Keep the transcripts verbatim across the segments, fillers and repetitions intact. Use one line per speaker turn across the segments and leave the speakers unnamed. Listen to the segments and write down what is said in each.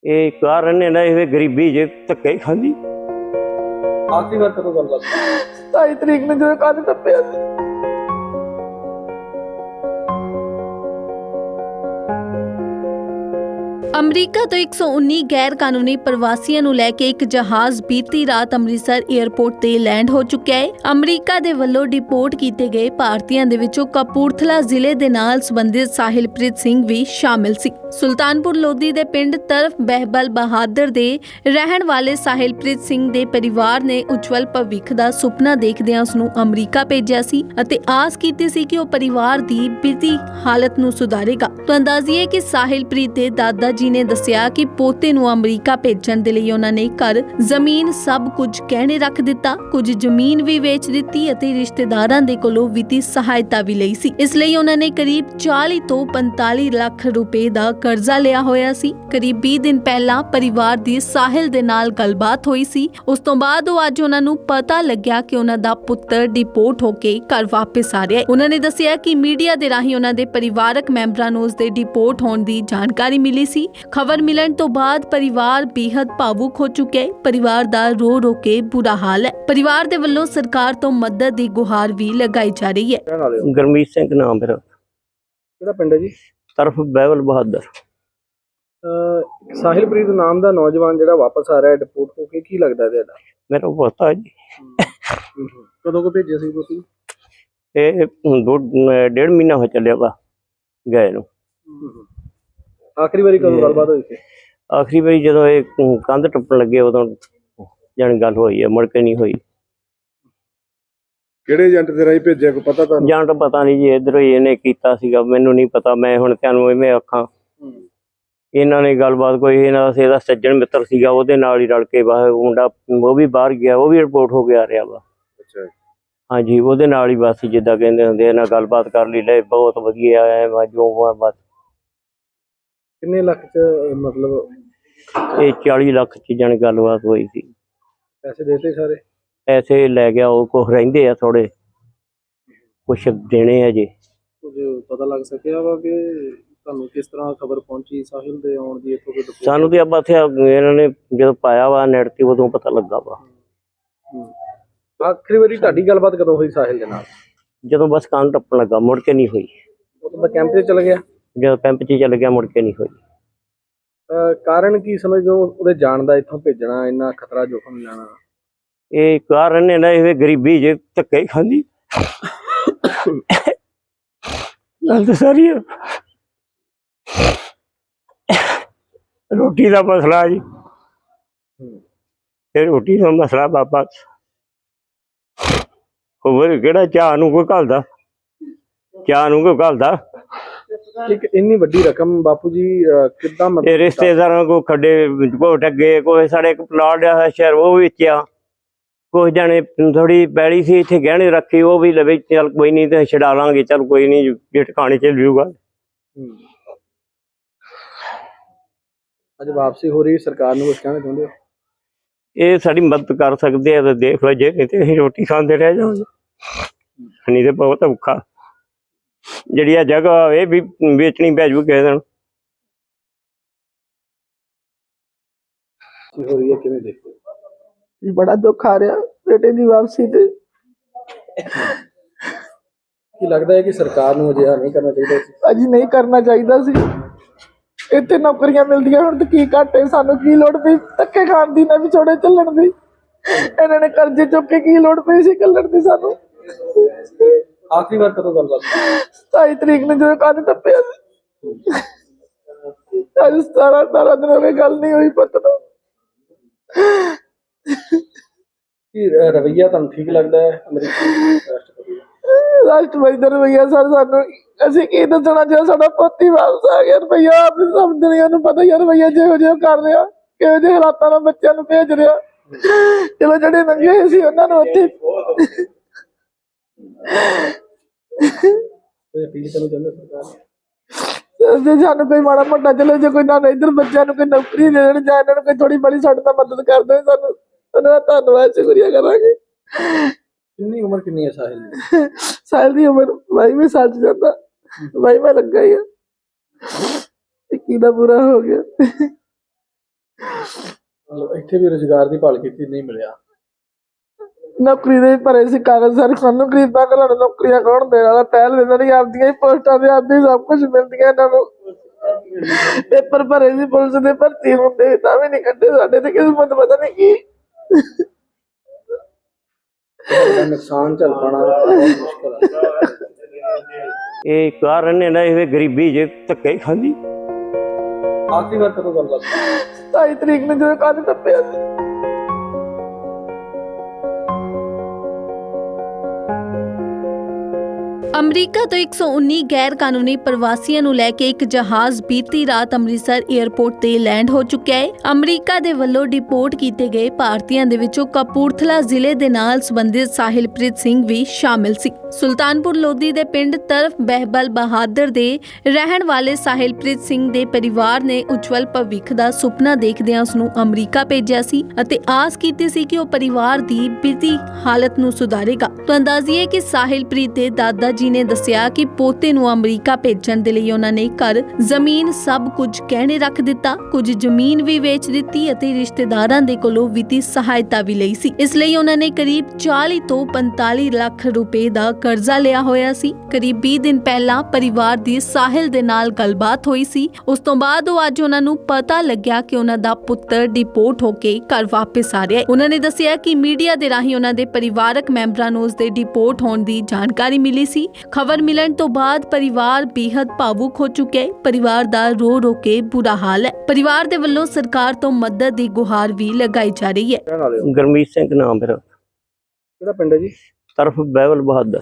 ਇਹ ਕਾਰਨ ਇਹਨਾਂ ਇਹ ਗਰੀਬੀ ਜੇ ਧੱਕੇ ਖਾਂਦੀ।
ਆਖਰੀ ਵਾਰ ਕਦੋਂ ਗੱਲ ਬਾਤ
ਸਤਾਈ ਤਰੀਕ ਨੂੰ ਜਦੋਂ ਕੰਨ ਟੱਪਿਆ ਸੀ।
ਅਮਰੀਕਾ ਤੋਂ ਇੱਕ ਸੌ ਉੱਨੀ ਗੈਰ ਕਾਨੂੰਨੀ ਪ੍ਰਵਾਸੀਆਂ ਨੂੰ ਲੈ ਕੇ ਇੱਕ ਜਹਾਜ਼ ਬੀਤੀ ਰਾਤ ਅੰਮ੍ਰਿਤਸਰ ਏਅਰਪੋਰਟ ਤੇ ਲੈਂਡ ਹੋ ਚੁੱਕਿਆ ਹੈ। ਅਮਰੀਕਾ ਦੇ ਵੱਲੋਂ ਡਿਪੋਰਟ ਕੀਤੇ ਗਏ ਭਾਰਤੀਆਂ ਦੇ ਵਿੱਚੋਂ ਕਪੂਰਥਲਾ ਜ਼ਿਲ੍ਹੇ ਦੇ ਨਾਲ ਸੰਬੰਧਿਤ ਸਾਹਿਲਪ੍ਰੀਤ ਸਿੰਘ ਵੀ ਸ਼ਾਮਿਲ ਸੀ। ਸੁਲਤਾਨਪੁਰ ਲੋਧੀ ਦੇ ਪਿੰਡ ਤਰਫ ਬਹਿਬਲ ਬਹਾਦਰ ਦੇ ਰਹਿਣ ਵਾਲੇ ਸਾਹਿਲਪ੍ਰੀਤ ਸਿੰਘ ਦੇ ਪਰਿਵਾਰ ਨੇ ਉਜਵਲ ਭਵਿੱਖ ਦਾ ਸੁਪਨਾ ਦੇਖਦਿਆਂ ਉਸ ਨੂੰ ਅਮਰੀਕਾ ਭੇਜਿਆ ਸੀ ਅਤੇ ਆਸ ਕੀਤੀ ਸੀ ਕਿ ਉਹ ਪਰਿਵਾਰ ਦੀ ਵਿੱਤੀ ਹਾਲਤ ਨੂੰ ਸੁਧਾਰੇਗਾ। ਤਾਂ ਅੰਦਾਜ਼ੀਏ ਕਿ ਸਾਹਿਲਪ੍ਰੀਤ ਦੇ ਦਾਦਾ ਜੀ ਨੇ ਦੱਸਿਆ ਕਿ ਪੋਤੇ ਨੂੰ ਅਮਰੀਕਾ ਭੇਜਣ ਦੇ ਲਈ ਉਹਨਾਂ ਨੇ ਘਰ ਜ਼ਮੀਨ ਸਭ ਕੁਝ ਗਹਿਣੇ ਰੱਖ ਦਿੱਤਾ, ਕੁਝ ਜ਼ਮੀਨ ਵੀ ਵੇਚ ਦਿੱਤੀ ਅਤੇ ਰਿਸ਼ਤੇਦਾਰਾਂ ਦੇ ਕੋਲੋਂ ਵਿੱਤੀ ਸਹਾਇਤਾ ਵੀ ਲਈ ਸੀ। ਇਸ ਲਈ ਉਹਨਾਂ ਨੇ ਕਰੀਬ ਚਾਲੀ ਤੋਂ ਪੰਤਾਲੀ ਲੱਖ ਰੁਪਏ ਦਾ ਕਰਜ਼ਾ ਲਿਆ ਹੋਇਆ ਸੀ। ਕਰੀਬ ਵੀਹ ਦਿਨ ਪਹਿਲਾਂ ਪਰਿਵਾਰ ਦੀ ਸਾਹਿਲ ਦੇ ਨਾਲ ਗੱਲਬਾਤ ਹੋਈ ਸੀ। ਉਸ ਤੋਂ ਬਾਅਦ ਉਹ ਅੱਜ ਉਹਨਾਂ ਨੂੰ ਪਤਾ ਲੱਗਿਆ ਕਿ ਉਹਨਾਂ ਦਾ ਪੁੱਤਰ ਡਿਪੋਰਟ ਹੋ ਕੇ ਘਰ ਵਾਪਸ ਆ ਰਿਹਾ ਹੈ। ਉਹਨਾਂ ਨੇ ਦੱਸਿਆ ਕਿ ਮੀਡੀਆ ਦੇ ਰਾਹੀਂ ਉਹਨਾਂ ਦੇ ਪਰਿਵਾਰਕ ਮੈਂਬਰਾਂ ਨੂੰ ਉਸ ਦੇ ਡਿਪੋਰਟ ਹੋਣ ਦੀ ਜਾਣਕਾਰੀ ਮਿਲੀ ਸੀ। ਖਬਰ ਮਿਲਣ ਤੋਂ ਬਾਅਦ ਪਰਿਵਾਰ ਬੇहद ਭਾਵੁਕ ਹੋ ਚੁੱਕਿਆ ਹੈ। ਪਰਿਵਾਰ ਦਾ ਰੋ ਰੋ ਕੇ ਬੁਰਾ ਹਾਲ ਹੈ। ਪਰਿਵਾਰ ਦੇ ਵੱਲੋਂ ਸਰਕਾਰ ਤੋਂ ਮਦਦ ਦੀ ਗੁਹਾਰ ਵੀ ਲਗਾਈ ਜਾ ਰਹੀ ਹੈ।
ਗੁਰਮੀਤ ਸਿੰਘ ਨਾਮ ਮੇਰਾ।
ਕਿਹੜਾ ਪਿੰਡ ਹੈ ਜੀ?
ਤਰਫ ਬਹਿਬਲ ਬਹਾਦਰ।
ਸਾਹਿਲਪ੍ਰੀਤ ਨਾਮ ਦਾ ਨੌਜਵਾਨ ਜਿਹੜਾ ਵਾਪਸ ਆ ਰਿਹਾ ਡਿਪੋਰਟ ਹੋ ਕੇ, ਕੀ ਲੱਗਦਾ ਤੁਹਾਡਾ?
ਮੇਰਾ ਪੋਤਾ ਜੀ।
ਕਦੋਂ ਕੋ ਭੇਜਿਆ ਸੀ ਤੁਸੀਂ?
ਇਹ ਦੋ ਡੇਢ ਮਹੀਨਾ ਹੋ ਚੱਲਿਆ ਵਾ ਗਏ ਨੂੰ।
ਆਖਰੀ ਵਾਰੀ ਕਦੋਂ ਗੱਲਬਾਤ ਹੋਈ ਸੀ?
ਆਖਰੀ ਵਾਰੀ ਜਦੋਂ ਇਹ ਕੰਧ ਟੱਪਣ ਲੱਗੇ ਉਦੋਂ ਜਾਣੀ ਗੱਲ ਹੋਈ ਹੈ, ਮੁੜ ਕੇ ਨਹੀਂ ਹੋਈ।
ਕਿਹੜੇ ਏਜੰਟ ਦੇ ਰਾਹੀਂ ਭੇਜਿਆ, ਕੋਈ ਪਤਾ ਤੁਹਾਨੂੰ?
ਜਾਂ ਤਾਂ ਪਤਾ ਨਹੀਂ ਜੀ, ਇੱਧਰੋਂ ਹੀ ਇਹਨੇ ਕੀਤਾ ਸੀਗਾ, ਮੈਨੂੰ ਨਹੀਂ ਪਤਾ। ਮੈਂ ਹੁਣ ਤੁਹਾਨੂੰ ਇਵੇਂ ਆਖਾਂ, ਇਹਨਾਂ ਨੇ ਗੱਲਬਾਤ ਕੋਈ ਇਹਨਾਂ ਦਾ ਇਹਦਾ ਸੱਜਣ ਮਿੱਤਰ ਸੀਗਾ, ਉਹਦੇ ਨਾਲ ਹੀ ਰਲ ਕੇ ਬਾਹਰ ਮੁੰਡਾ ਉਹ ਵੀ ਬਾਹਰ ਗਿਆ, ਉਹ ਵੀ ਰਿਪੋਰਟ ਹੋ ਕੇ ਆ ਰਿਹਾ ਵਾ।
ਅੱਛਾ,
ਹਾਂਜੀ, ਉਹਦੇ ਨਾਲ ਹੀ ਬਸ ਜਿੱਦਾਂ ਕਹਿੰਦੇ ਹੁੰਦੇ ਇਹਨਾਂ ਗੱਲਬਾਤ ਕਰ ਲਈ, ਲੈ ਬਹੁਤ ਵਧੀਆ ਹੈ ਜੋ ਬਸ।
ਕਿੰਨੇ ਲੱਖ ਚ ਮਤਲਬ?
ਇਹ ਚਾਲੀ ਲੱਖ ਚ ਜਾਣੀ ਗੱਲਬਾਤ ਹੋਈ ਸੀ।
ਪੈਸੇ ਦੇਤੇ ਸਾਰੇ?
ਪੈਸੇ ਲੈ ਗਿਆ ਉਹ, ਕੁਛ ਰਹਿੰਦੇ ਆ ਥੋੜੇ, ਕੁਛ ਦੇਣੇ ਆ ਜੀ।
ਕੁਝ ਪਤਾ ਲੱਗ ਸਕਿਆ ਵਾ ਕਿ ਤੁਹਾਨੂੰ ਕਿਸ ਤਰ੍ਹਾਂ ਖਬਰ ਪਹੁੰਚੀ ਸਾਹਿਲ ਦੇ ਆਉਣ ਦੀ? ਇੱਥੋਂ ਕੋਈ
ਸਾਨੂੰ ਤੇ ਆਪਾਂ ਇੱਥੇ ਇਹਨਾਂ ਨੇ ਜਦੋਂ ਪਾਇਆ ਵਾ ਨੈਟ ਤੇ ਉਦੋਂ ਪਤਾ ਲੱਗਾ ਵਾ।
ਆਖਰੀ ਵਾਰੀ ਤੁਹਾਡੀ ਗੱਲਬਾਤ ਕਦੋਂ ਹੋਈ ਸਾਹਿਲ ਦੇ ਨਾਲ?
ਜਦੋਂ ਬਸ ਕੰਨ ਟੱਪਣ ਲੱਗਾ, ਮੁੜ ਕੇ ਨਹੀਂ ਹੋਈ।
ਉਦੋਂ ਮੈਂ ਕੈਂਪ ਤੇ ਚਲ ਗਿਆ?
ਜਦੋਂ ਕੈਂਪ 'ਚ ਚੱਲ ਗਿਆ ਮੁੜ ਕੇ ਨਹੀਂ ਹੋਈ।
ਕਾਰਨ ਕੀ ਸਮਝਦੇ ਹੋ ਉਹਦੇ ਜਾਣ ਦਾ, ਇੱਥੋਂ ਭੇਜਣਾ, ਇੰਨਾ ਖਤਰਾ ਜੋਖਮ ਲੈਣਾ?
ਇਹ ਕਾਰਨ ਇਹਨਾਂ ਇਹ ਗਰੀਬੀ ਜੇ ਧੱਕੇ ਖਾਂਦੀ। ਗੱਲ ਤਾਂ ਸਾਰੀ ਆ। ਰੋਟੀ ਦਾ ਮਸਲਾ ਜੀ, ਇਹ ਰੋਟੀ ਦਾ ਮਸਲਾ ਬਾਬਾ। ਹੋਰ ਕਿਹੜਾ ਚਾਹ ਨੂੰ ਕੋਈ ਘੱਲਦਾ, ਚਾਹ ਨੂੰ ਕੋਈ ਘੱਲਦਾ।
ਇੱਕ ਇੰਨੀ ਵੱਡੀ ਰਕਮ ਬਾਪੂ ਜੀ ਕਿੱਦਾਂ?
ਇਹ ਰਿਸ਼ਤੇਦਾਰਾਂ ਕੋ ਖੱਡੇ ਕੋ ਟੱਗੇ, ਕੋਈ ਸਾਡੇ ਇੱਕ ਪਲਾਟ ਆ ਸ਼ਹਿਰ ਉਹ ਵੇਚਿਆ, ਕੁਛ ਜਾਣੇ ਥੋੜੀ ਪੈਲੀ ਸੀ ਇੱਥੇ ਗਹਿਣੇ ਰੱਖੀ, ਉਹ ਵੀ ਲਵੇ ਚੱਲ ਕੋਈ ਨਹੀਂ ਤੇ ਛਡਾ ਲਾਂਗੇ, ਚੱਲ ਕੋਈ ਨਹੀਂ ਜੇ ਟਿਕਾਣੇ ਚ ਲਿਊਗਾ।
ਅੱਜ ਵਾਪਸੀ ਹੋ ਰਹੀ, ਸਰਕਾਰ ਨੂੰ ਕੁਛ ਕਹਿਣਾ ਚਾਹੁੰਦੇ ਹੋ?
ਇਹ ਸਾਡੀ ਮਦਦ ਕਰ ਸਕਦੇ ਆ ਤਾਂ ਦੇਖ ਲਓ, ਜੇ ਨਹੀਂ ਤੇ ਅਸੀਂ ਰੋਟੀ ਖਾਂਦੇ ਰਹਿ ਜਾਵਾਂਗੇ। ਨਹੀਂ ਤੇ ਬਹੁਤ ਔਖਾ। ਜਿਹੜੀ ਆ ਜਗ੍ਹਾ ਇਹ ਵੀ ਵੇਚਣੀ ਪੈ ਜੂ ਕਿਸੇ ਦਿਨ।
ਹੋ ਰਹੀ ਹੈ, ਕਿਵੇਂ ਦੇਖਦੇ ਹੋ?
ਬੜਾ ਦੁੱਖ ਆ ਰਿਹਾ ਬੇਟੇ ਦੀ ਵਾਪਸੀ ਤੇ।
ਕੀ ਲੱਗਦਾ ਹੈ ਕਿ ਸਰਕਾਰ ਨੂੰ ਅਜਿਹਾ ਨਹੀਂ ਕਰਨਾ ਚਾਹੀਦਾ ਸੀ?
ਅਜੀ ਨਹੀਂ ਕਰਨਾ ਚਾਹੀਦਾ ਸੀ। ਇੱਥੇ ਨੌਕਰੀਆਂ ਮਿਲਦੀਆਂ, ਹੁਣ ਤੇ ਕੀ ਘਾਟੇ, ਸਾਨੂੰ ਕੀ ਲੋੜ ਪਈ ਧੱਕੇ ਖਾਣ ਦੀ, ਨਾ ਵਿਛੋੜੇ ਚੱਲਣ ਦੀ। ਇਹਨਾਂ ਨੇ ਕਰਜ਼ੇ ਚੁੱਕ ਕੇ ਕੀ ਲੋੜ ਪਈ ਸੀ ਕੱਲਣ ਦੀ ਸਾਨੂੰ।
ਆਖਰੀ ਵਾਰ ਕਦੋਂ ਗੱਲਬਾਤ?
ਸਤਾਈ ਤਰੀਕ ਨੂੰ ਜਦੋਂ ਕੰਨ ਟੱਪਿਆ ਸੀ। ਅੱਜ ਸਤਾਰਾਂ ਅਠਾਰਾਂ ਦਿਨ ਹੋ ਗਏ, ਗੱਲ ਨਹੀਂ ਹੋਈ ਪੁੱਤ ਨੂੰ।
ਕੀ ਰਵੱਈਆ ਤੁਹਾਨੂੰ ਠੀਕ ਲੱਗਦਾ ਹੈ ਅਮਰੀਕੀ ਰਾਸ਼ਟਰਪਤੀ ਦਾ?
ਰਾਸ਼ਟਰਪਤੀ ਦਾ ਰਵੱਈਆ ਸਰ ਸਾਨੂੰ ਅਸੀਂ ਕੀ ਦੱਸਣਾ, ਜੇ ਸਾਡਾ ਪੋਤੀ ਵਾਪਸ ਆ ਗਿਆ। ਰਵੱਈਆ ਆਪ ਸਭ ਦੁਨੀਆ ਨੂੰ ਪਤਾ ਯਾਰ, ਰਵੱਈਆ ਜਿਹੋ ਜਿਹਾ ਕਰ ਰਿਹਾ, ਕਿਹੋ ਜਿਹੇ ਹਾਲਾਤਾਂ ਨਾਲ ਬੱਚਿਆਂ ਨੂੰ ਭੇਜ ਰਿਹਾ। ਚਲੋ ਜਿਹੜੇ ਨੰਗੇ ਹੋਏ ਸੀ ਉਹਨਾਂ ਨੂੰ ਉੱਥੇ
ਅਪੀਲ ਕਰਨਾ ਚਾਹੁੰਦੇ ਸਰਕਾਰ?
ਜੇ ਸਾਨੂੰ ਕੋਈ ਮਾੜਾ ਮੋਟਾ ਚਲੋ, ਜੇ ਕੋਈ ਨਾ ਇੱਧਰ ਬੱਚਿਆਂ ਨੂੰ ਕੋਈ ਨੌਕਰੀ ਦੇ ਦੇਣ, ਜਾਂ ਇਹਨਾਂ ਨੂੰ ਕੋਈ ਥੋੜੀ ਬੜੀ ਸਾਡੇ ਨਾਲ ਮਦਦ ਕਰ ਦੇਣ, ਸਾਨੂੰ ਉਹਨਾਂ ਦਾ ਧੰਨਵਾਦ ਸ਼ੁਕਰੀਆ ਕਰਾਂਗੇ।
ਕਿੰਨੀ ਉਮਰ ਕਿੰਨੀ ਹੈ ਸਾਹਿਲ ਦੀ?
ਸਾਹਿਲ ਦੀ ਉਮਰ ਬਾਈਵੇਂ ਸਾਲ ਚ ਜਾਂਦਾ, ਬਾਈਵਾਂ ਲੱਗਾ ਹੀ ਆ। ਇੱਕੀ ਦਾ ਪੂਰਾ ਹੋ ਗਿਆ।
ਮਤਲਬ ਇੱਥੇ ਵੀ ਰੁਜ਼ਗਾਰ ਦੀ ਭਾਲ ਕੀਤੀ, ਨਹੀਂ ਮਿਲਿਆ।
ਨੌਕਰੀ ਦੇ ਵੀ ਭਰੇ ਸੀ ਕਾਗਜ਼ ਸਾਰੇ, ਸਾਨੂੰ ਗਰੀਬਾਂ ਘਰਾਂ ਨੂੰ ਨੌਕਰੀਆਂ ਕੌਣ ਦੇਣ ਵਾਲਾ? ਪਹਿਲ ਦਿੰਦਾ ਨਹੀਂ, ਆਪਦੀਆਂ ਹੀ ਪੋਸਟਾਂ ਤੇ ਆਪਦੀ ਸਭ ਕੁਝ ਮਿਲਦੀਆਂ ਇਹਨਾਂ ਨੂੰ। ਪੇਪਰ ਭਰੇ ਸੀ ਪੁਲਿਸ ਦੇ, ਭਰਤੀ ਹੁੰਦੇ ਵੀ ਤਾਂ ਵੀ ਨਹੀਂ ਕੱਢੇ। ਸਾਡੇ ਤੇ ਕਿਸਮਤ ਪਤਾ ਨਹੀਂ ਕੀ।
ਇਹਦਾ ਨੁਕਸਾਨ ਝੱਲ ਪਾਉਣਾ ਬਹੁਤ ਮੁਸ਼ਕਲ ਹੈ।
ਇਹ ਕਾਰਨ ਨੇ ਨਾ ਇਹ ਗਰੀਬੀ ਜੇ ਧੱਕੇ ਹੀ ਖਾਂਦੀ।
ਆਖਰੀ ਵਾਰ ਕਦੋਂ ਗੱਲਬਾਤ?
ਸਤਾਈ ਤਰੀਕ ਨੂੰ ਜਦੋਂ ਕੰਨ ਟੱਪਿਆ ਸੀ।
ਅਮਰੀਕਾ ਤੋਂ ਇੱਕ ਸੌ ਉੱਨੀ ਗੈਰ ਕਾਨੂੰਨੀ ਪ੍ਰਵਾਸੀਆਂ ਨੂੰ ਲੈ ਕੇ ਇੱਕ ਜਹਾਜ਼ ਬੀਤੀ ਰਾਤ ਅੰਮ੍ਰਿਤਸਰ ਏਅਰਪੋਰਟ ਤੇ ਲੈਂਡ ਹੋ ਚੁੱਕਿਆ ਹੈ। ਅਮਰੀਕਾ ਦੇ ਵੱਲੋਂ ਡਿਪੋਰਟ ਕੀਤੇ ਗਏ ਭਾਰਤੀਆਂ ਦੇ ਵਿੱਚੋਂ ਕਪੂਰਥਲਾ ਜ਼ਿਲ੍ਹੇ ਦੇ ਨਾਲ ਸੰਬੰਧਿਤ ਸਾਹਿਲਪ੍ਰੀਤ ਸਿੰਘ ਵੀ ਸ਼ਾਮਿਲ ਸੀ। ਸੁਲਤਾਨਪੁਰ ਲੋਧੀ ਦੇ ਪਿੰਡ ਤਰਫ ਬਹਿਬਲ ਬਹਾਦਰ ਦੇ ਰਹਿਣ ਵਾਲੇ ਸਾਹਿਲਪ੍ਰੀਤ ਸਿੰਘ ਦੇ ਪਰਿਵਾਰ ਨੇ ਉਜਵਲ ਭਵਿੱਖ ਦਾ ਸੁਪਨਾ ਦੇਖਦਿਆਂ ਉਸ ਨੂੰ ਅਮਰੀਕਾ ਭੇਜਿਆ ਸੀ ਅਤੇ ਆਸ ਕੀਤੀ ਸੀ ਕਿ ਉਹ ਪਰਿਵਾਰ ਦੀ ਵਿੱਤੀ ਹਾਲਤ ਨੂੰ ਸੁਧਾਰੇਗਾ। ਤਾਂ ਅੰਦਾਜ਼ੀਏ ਕਿ ਸਾਹਿਲਪ੍ਰੀਤ ਦੇ ਦਾਦਾ ਜੀ ਨੇ ਦੱਸਿਆ ਕਿ ਪੋਤੇ ਨੂੰ ਅਮਰੀਕਾ ਭੇਜਣ ਦੇ ਲਈ ਉਹਨਾਂ ਨੇ ਘਰ, ਜ਼ਮੀਨ ਸਭ ਕੁਝ ਗਹਿਣੇ ਰੱਖ ਦਿੱਤਾ, ਕੁਝ ਜ਼ਮੀਨ ਵੀ ਵੇਚ ਦਿੱਤੀ ਅਤੇ ਰਿਸ਼ਤੇਦਾਰਾਂ ਦੇ ਕੋਲੋਂ ਵਿੱਤੀ ਸਹਾਇਤਾ ਵੀ ਲਈ ਸੀ। ਇਸ ਲਈ ਉਹਨਾਂ ਨੇ ਕਰੀਬ ਚਾਲੀ ਤੋਂ ਪੰਤਾਲੀ ਲੱਖ ਰੁਪਏ ਦਾ ਕਰਜ਼ਾ ਲਿਆ ਹੋਇਆ ਸੀ। ਕਰੀਬ ਵੀਹ ਦਿਨ ਪਹਿਲਾਂ ਪਰਿਵਾਰ ਦੀ ਸਾਹਿਲ ਦੇ ਨਾਲ ਗੱਲਬਾਤ ਹੋਈ ਸੀ। ਉਸ ਤੋਂ ਬਾਅਦ ਉਹ ਅੱਜ ਉਹਨਾਂ ਨੂੰ ਪਤਾ ਲੱਗਿਆ ਕਿ ਉਹਨਾਂ ਦਾ ਪੁੱਤਰ ਡਿਪੋਰਟ ਹੋ ਕੇ ਘਰ ਵਾਪਸ ਆ ਰਿਹਾ ਹੈ। ਉਹਨਾਂ ਨੇ ਦੱਸਿਆ ਕਿ ਮੀਡੀਆ ਦੇ ਰਾਹੀਂ ਉਹਨਾਂ ਦੇ ਪਰਿਵਾਰਕ ਮੈਂਬਰਾਂ ਨੂੰ ਉਸ ਦੇ ਡਿਪੋਰਟ ਹੋਣ ਦੀ ਜਾਣਕਾਰੀ ਮਿਲੀ ਸੀ। ਖਬਰ ਮਿਲਣ ਤੋਂ ਬਾਅਦ ਪਰਿਵਾਰ ਬੇहद ਭਾਵੁਕ ਹੋ ਚੁੱਕਿਆ ਹੈ। ਪਰਿਵਾਰ ਦਾ ਰੋ ਰੋ ਕੇ ਬੁਰਾ ਹਾਲ ਹੈ। ਪਰਿਵਾਰ ਦੇ ਵੱਲੋਂ ਸਰਕਾਰ ਤੋਂ ਮਦਦ ਦੀ ਗੁਹਾਰ ਵੀ ਲਗਾਈ ਜਾ ਰਹੀ ਹੈ।
ਗੁਰਮੀਤ ਸਿੰਘ ਨਾਮ ਮੇਰਾ,
ਕਿਹੜਾ ਪਿੰਡ ਹੈ ਜੀ?
ਤਰਫ ਬਹਿਬਲ ਬਹਾਦਰ।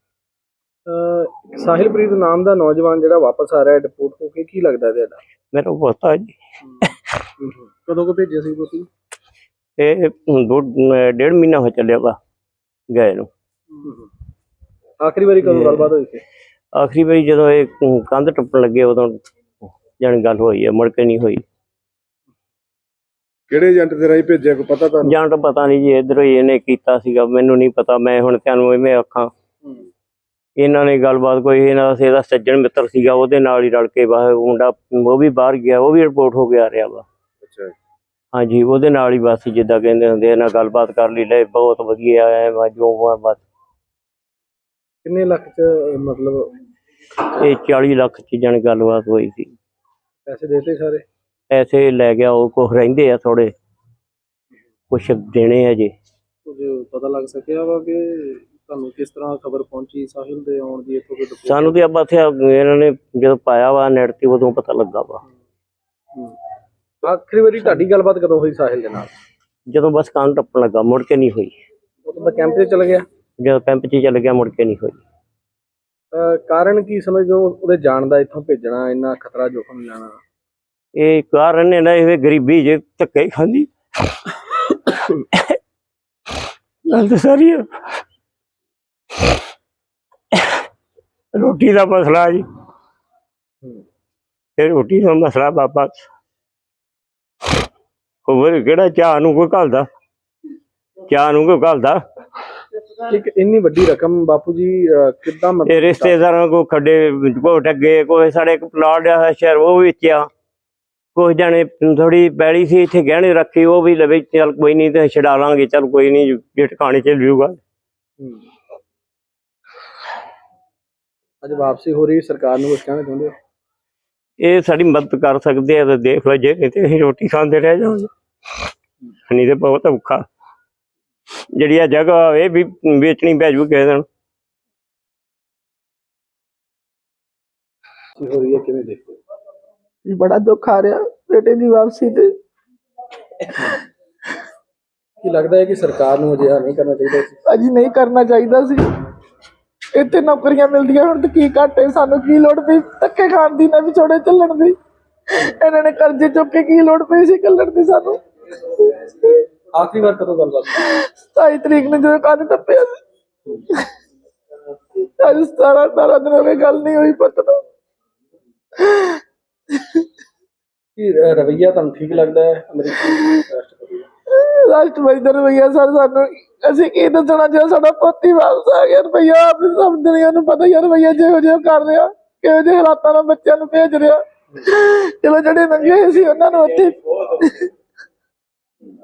ਅਹ ਸਾਹਿਲਪ੍ਰੀਤ ਨਾਮ ਦਾ ਨੌਜਵਾਨ ਜਿਹੜਾ ਵਾਪਸ ਆ ਰਿਹਾ ਡਿਪੋਰਟ ਹੋ ਕੇ, ਕੀ ਲੱਗਦਾ ਤੁਹਾਡਾ?
ਮੇਰਾ ਪੋਤਾ ਜੀ।
ਕਦੋਂ ਕੋ ਭੇਜਿਆ ਸੀ ਤੁਸੀਂ?
ਇਹ ਦੋ ਡੇਢ ਮਹੀਨਾ ਹੋ ਚੱਲਿਆ ਵਾ ਗਏ ਨੂੰ।
ਆਖਰੀ ਵਾਰੀ ਕਦੋਂ ਗੱਲਬਾਤ ਹੋਈ ਸੀ?
ਆਖਰੀ ਵਾਰੀ ਜਦੋਂ ਇਹ ਕੰਧ ਟੱਪਣ ਲੱਗੇ ਉਦੋਂ ਜਾਣੀ ਗੱਲ ਹੋਈ ਹੈ, ਮੁੜ ਕੇ ਨਹੀਂ ਹੋਈ।
ਕਿਹੜੇ ਏਜੰਟ ਦੇ ਰਾਹੀਂ ਭੇਜਿਆ, ਕੋਈ ਪਤਾ ਤੁਹਾਨੂੰ?
ਜਾਂ ਤਾਂ ਪਤਾ ਨਹੀਂ ਜੀ, ਇੱਧਰੋਂ ਹੀ ਇਹਨੇ ਕੀਤਾ ਸੀਗਾ, ਮੈਨੂੰ ਨਹੀਂ ਪਤਾ। ਮੈਂ ਹੁਣ ਤੁਹਾਨੂੰ ਇਵੇਂ ਆਖਾਂ, ਇਹਨਾਂ ਨੇ ਗੱਲਬਾਤ ਕੋਈ ਇਹਨਾਂ ਦਾ ਇਹਦਾ ਸੱਜਣ ਮਿੱਤਰ ਸੀਗਾ, ਉਹਦੇ ਨਾਲ ਹੀ ਰਲ ਕੇ ਬਾਹਰ ਮੁੰਡਾ ਉਹ ਵੀ ਬਾਹਰ ਗਿਆ, ਉਹ ਵੀ ਰਿਪੋਰਟ ਹੋ ਕੇ ਆ ਰਿਹਾ ਵਾ।
ਅੱਛਾ,
ਹਾਂਜੀ, ਉਹਦੇ ਨਾਲ ਹੀ ਬਸ ਜਿੱਦਾਂ ਕਹਿੰਦੇ ਹੁੰਦੇ ਇਹਨਾਂ ਗੱਲਬਾਤ ਕਰ ਲਈ, ਲੈ ਬਹੁਤ ਵਧੀਆ ਹੈ ਜੋ ਬਸ।
ਕਿੰਨੇ ਲੱਖ ਚ ਮਤਲਬ
ਇਹ ਚਾਲੀ ਲੱਖ ਚ ਜਾਣੀ ਗੱਲਬਾਤ ਹੋਈ ਸੀ।
ਪੈਸੇ ਦੇਤੇ ਸਾਰੇ?
ਪੈਸੇ ਲੈ ਗਿਆ ਉਹ, ਕੁਛ ਰਹਿੰਦੇ ਆ ਥੋੜੇ, ਕੁਛ ਦੇਣੇ ਆ ਜੀ।
ਕੁਝ ਪਤਾ ਲੱਗ ਸਕਿਆ ਵਾ ਕਿ ਤੁਹਾਨੂੰ ਕਿਸ ਤਰ੍ਹਾਂ ਖਬਰ ਪਹੁੰਚੀ ਸਾਹਿਲ ਦੇ ਆਉਣ ਦੀ? ਇੱਥੋਂ ਕੋਈ report?
ਸਾਨੂੰ ਤੇ ਆਪਾਂ ਇੱਥੇ ਇਹਨਾਂ ਨੇ ਜਦੋਂ ਪਾਇਆ ਵਾ ਨੈਟ ਤੇ ਉਦੋਂ ਪਤਾ ਲੱਗਾ ਵਾ।
ਆਖਰੀ ਵਾਰੀ ਤੁਹਾਡੀ ਗੱਲਬਾਤ ਕਦੋਂ ਹੋਈ ਸਾਹਿਲ ਦੇ ਨਾਲ?
ਜਦੋਂ ਬਸ ਕੰਨ ਟੱਪਣ ਲੱਗਾ, ਮੁੜ ਕੇ ਨਹੀਂ ਹੋਈ।
ਉਹ ਤਾਂ ਕੈਂਪ ਤੇ ਚਲ ਗਿਆ?
ਜਦੋਂ ਕੈਂਪ 'ਚ ਚੱਲ ਗਿਆ ਮੁੜ ਕੇ ਨਹੀਂ ਹੋਈ।
ਅਹ ਕਾਰਨ ਕੀ ਸਮਝਦੇ ਹੋ ਉਹਦੇ ਜਾਣ ਦਾ, ਇੱਥੋਂ ਭੇਜਣਾ, ਇੰਨਾ ਖਤਰਾ ਜੋਖਮ ਲੈਣਾ?
ਇਹ ਕਾਰਨ ਨੇ ਨਾ ਇਹ ਗਰੀਬੀ ਜੇ ਧੱਕੇ ਹੀ ਖਾਂਦੀ। ਗੱਲ ਤਾਂ ਸਾਰੀ ਆ। ਰੋਟੀ ਦਾ ਮਸਲਾ ਜੀ, ਇਹ ਰੋਟੀ ਦਾ ਮਸਲਾ ਬਾਬਾ। ਹੋਰ ਕਿਹੜਾ ਚਾਹ ਨੂੰ ਕੋਈ ਘੱਲਦਾ, ਚਾਹ ਨੂੰ ਕੋਈ ਘੱਲਦਾ।
ਇੱਕ ਇੰਨੀ ਵੱਡੀ ਰਕਮ ਬਾਪੂ ਜੀ ਕਿੱਦਾਂ
ਇਹ
ਮਤਲਬ?
ਰਿਸ਼ਤੇਦਾਰਾਂ ਕੋ ਖੱਡੇ ਘੋਟ ਅੱਗੇ, ਕੋਈ ਸਾਡੇ ਇੱਕ ਪਲਾਟ ਆ ਸ਼ਹਿਰ ਉਹ ਵੇਚਿਆ, ਕੁਛ ਜਾਣੇ ਥੋੜੀ ਪੈਲੀ ਸੀ ਇੱਥੇ ਗਹਿਣੇ ਰੱਖੀ, ਉਹ ਵੀ ਲਵੇ ਚੱਲ ਕੋਈ ਨਹੀਂ ਤੇ ਛਡਾ ਲਾਂਗੇ, ਚੱਲ ਕੋਈ ਨਹੀਂ ਜੇ ਟਿਕਾਣੇ ਚ ਲਿਊਗਾ।
ਅੱਜ ਵਾਪਸੀ ਹੋ ਰਹੀ, ਸਰਕਾਰ ਨੂੰ ਕੁਝ ਕਹਿਣਾ ਚਾਹੁੰਦੇ ਹੋ?
ਇਹ ਸਾਡੀ ਮਦਦ ਕਰ ਸਕਦੇ ਆ ਤਾਂ ਦੇਖ ਲਓ, ਜੇ ਨਹੀਂ ਤੇ ਅਸੀਂ ਰੋਟੀ ਖਾਂਦੇ ਰਹਿ ਜਾਵਾਂਗੇ, ਨਹੀਂ ਤੇ ਬਹੁਤ ਔਖਾ। ਜਿਹੜੀ ਆ ਜਗ੍ਹਾ ਇਹ ਵੀ ਵੇਚਣੀ ਪੈ ਜੂ ਕਿਸੇ ਦਿਨ।
ਹੋ ਰਹੀ ਹੈ, ਕਿਵੇਂ ਦੇਖਦੇ ਹੋ?
ਬੜਾ ਦੁੱਖ ਆ ਰਿਹਾ ਬੇਟੇ ਦੀ ਵਾਪਸੀ ਤੇ।
ਕੀ ਲੱਗਦਾ ਹੈ ਕਿ ਸਰਕਾਰ ਨੂੰ ਅਜਿਹਾ ਨਹੀਂ ਕਰਨਾ ਚਾਹੀਦਾ ਸੀ?
ਅਜੀ ਨਹੀਂ ਕਰਨਾ ਚਾਹੀਦਾ ਸੀ। ਇੱਥੇ ਨੌਕਰੀਆਂ ਮਿਲਦੀਆਂ ਹੁਣ ਤੇ ਕੀ ਘਾਟੇ, ਸਾਨੂੰ ਕੀ ਲੋੜ ਪਈ ਧੱਕੇ ਖਾਣ ਦੀ, ਨਾ ਵਿਛੋੜੇ ਚੱਲਣ ਦੀ। ਇਹਨਾਂ ਨੇ ਕਰਜ਼ੇ ਚੁੱਕ ਕੇ ਕੀ ਲੋੜ ਪਈ ਸੀ ਕੱਲਣ ਦੀ ਸਾਨੂੰ।
ਆਖਰੀ ਵਾਰ ਕਦੋਂ ਗੱਲਬਾਤ?
ਸਤਾਈ ਤਰੀਕ ਨੂੰ ਜਦੋਂ ਕੰਨ ਟੱਪਿਆ ਸੀ। ਅੱਜ ਸਤਾਰਾਂ ਅਠਾਰਾਂ ਦਿਨ ਹੋ ਗਏ, ਗੱਲ ਨਹੀਂ ਹੋਈ ਪੁੱਤ ਨੂੰ।
ਕੀ ਰਵੱਈਆ ਤੁਹਾਨੂੰ ਠੀਕ ਲੱਗਦਾ ਹੈ ਅਮਰੀਕੀ ਰਾਸ਼ਟਰਪਤੀ ਦਾ?
ਰਾਸ਼ਟਰਪਤੀ ਦਾ ਰਵੱਈਆ ਸਰ ਸਾਨੂੰ, ਅਸੀਂ ਕੀ ਦੱਸਣਾ ਜਦੋਂ ਸਾਡਾ ਪੋਤੀ ਵਾਪਸ ਆ ਗਿਆ। ਰਵੱਈਆ ਆਪ ਸਭ ਦੁਨੀਆ ਨੂੰ ਪਤਾ ਯਾਰ, ਰਵੱਈਆ ਜਿਹੋ ਜਿਹਾ ਕਰ ਰਿਹਾ, ਕਿਹੋ ਜਿਹੇ ਹਾਲਾਤਾਂ ਨਾਲ ਬੱਚਿਆਂ ਨੂੰ ਭੇਜ ਰਿਹਾ। ਚਲੋ ਜਿਹੜੇ ਨੰਗੇ ਹੋਏ ਸੀ ਉਹਨਾਂ ਨੂੰ ਉੱਥੇ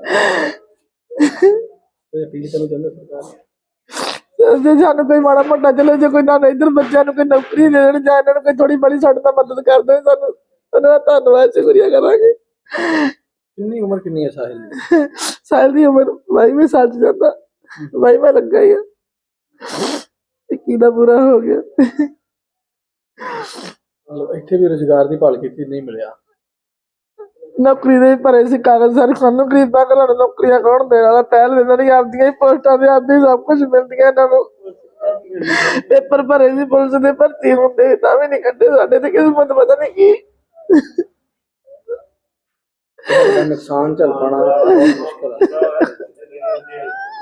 ਕੋਈ ਅਪੀਲ ਕਰਨਾ ਚਾਹੁੰਦੇ ਸਰਕਾਰ ਨੂੰ?
ਜੇ ਸਾਨੂੰ ਕੋਈ ਮਾੜਾ ਮੋਟਾ ਚਲੇ ਜੇ ਕੋਈ ਨਾ ਇੱਧਰ ਬੱਚਿਆਂ ਨੂੰ ਕੋਈ ਨੌਕਰੀ ਦੇ ਦੇਣ ਜਾਂ ਇਹਨਾਂ ਨੂੰ ਕੋਈ ਥੋੜੀ ਬੜੀ ਸਾਡੇ ਨਾਲ ਮਦਦ ਕਰ ਦੇਣ ਸਾਨੂੰ ਉਹਨਾਂ ਦਾ ਧੰਨਵਾਦ ਸ਼ੁਕਰੀਆ ਕਰਾਂਗੇ।
ਕਿੰਨੀ ਉਮਰ ਕਿੰਨੀ ਹੈ ਸਾਹਿਲ ਦੀ?
ਸਾਲ ਦੀ ਉਮਰ ਬਾਈਵੇਂ ਸਾਲ ਚ ਜਾਂਦਾ, ਬਾਈਵਾਂ ਲੱਗਾ ਹੀ ਆ, ਇੱਕੀ ਦਾ ਪੂਰਾ ਹੋ ਗਿਆ।
ਮਤਲਬ ਇੱਥੇ ਵੀ ਰੁਜ਼ਗਾਰ ਦੀ ਭਾਲ ਕੀਤੀ, ਨਹੀਂ ਮਿਲਿਆ।
ਨੌਕਰੀ ਦੇ ਵੀ ਭਰੇ ਸੀ ਕਾਗਜ਼ ਸਾਰੇ, ਸਾਨੂੰ ਗਰੀਬਾਂ ਘਰਾਂ ਨੂੰ ਨੌਕਰੀਆਂ ਕੌਣ ਦੇਣ ਵਾਲਾ? ਪਹਿਲ ਦਿੰਦਾ ਨਹੀਂ, ਆਪਦੀਆਂ ਹੀ ਪੋਸਟਾਂ ਤੇ ਆਪਦੀ ਸਭ ਕੁਝ ਮਿਲਦੀਆਂ ਇਹਨਾਂ ਨੂੰ। ਪੇਪਰ ਭਰੇ ਸੀ ਪੁਲਿਸ ਦੇ, ਭਰਤੀ ਹੁੰਦੇ ਤਾਂ ਵੀ ਨਹੀਂ ਕੱਢੇ। ਸਾਡੇ ਤੇ ਕਿਸਮਤ ਪਤਾ ਨਹੀਂ ਕੀ।
ਨੁਕਸਾਨ ਝੱਲ ਪਾਉਣਾ ਬਹੁਤ ਮੁਸ਼ਕਲ ਹੈ।